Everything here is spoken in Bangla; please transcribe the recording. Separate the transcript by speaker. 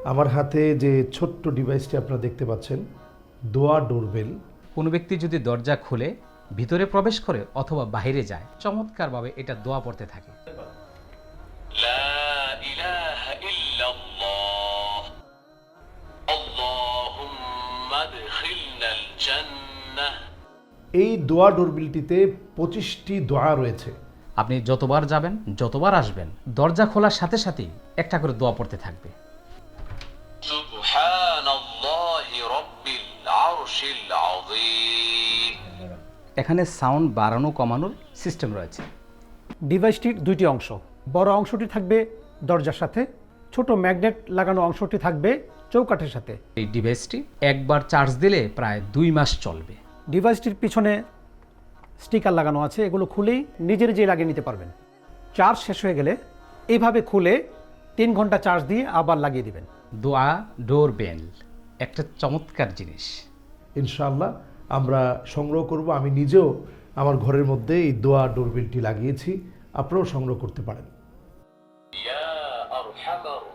Speaker 1: আমার হাতে যে ছোট্ট ডিভাইসটি আপনারা দেখতে পাচ্ছেন, দোয়া ডোরবেল।
Speaker 2: কোনো ব্যক্তি যদি দরজা খুলে ভিতরে প্রবেশ করে অথবা বাইরে যায়, চমৎকারভাবে এটা দোয়া পড়তে থাকে।
Speaker 3: লা ইলাহা ইল্লাল্লাহ আল্লাহুম্মা আদখিলনাল জান্নাহ।
Speaker 1: এই দোয়া ডোরবেলটিতে 25টি দোয়া রয়েছে।
Speaker 2: আপনি যতবার যাবেন, যতবার আসবেন, দরজা খোলার সাথে সাথেই একটা করে দোয়া পড়তে থাকবে।
Speaker 3: সুবহানাল্লাহি রাব্বিল আরশিল আযীম।
Speaker 2: এখানে সাউন্ড বাড়ানো কমানোর সিস্টেম রয়েছে।
Speaker 4: ডিভাইসটির দুইটি অংশ, বড় অংশটি থাকবে দরজার সাথে, ছোট ম্যাগনেট লাগানো অংশটি থাকবে চৌকাঠের সাথে।
Speaker 2: এই ডিভাইসটি একবার চার্জ দিলে প্রায় 2 মাস চলবে।
Speaker 4: ডিভাইসটির পিছনে স্টিকার লাগানো আছে, এগুলো খুলেই নিজের যে লাগিয়ে নিতে পারবেন। চার্জ শেষ হয়ে গেলে এইভাবে খুলে 3 ঘন্টা চার্জ দিয়ে আবার লাগিয়ে দিবেন।
Speaker 2: দোয়া ডোরবেল একটা চমৎকার জিনিস।
Speaker 1: ইনশাআল্লাহ আমরা সংগ্রহ করব। আমি নিজেও আমার ঘরের মধ্যে এই দোয়া ডোরবেলটি লাগিয়েছি, আপনারাও সংগ্রহ করতে পারেন।
Speaker 3: ইয়া আরহামার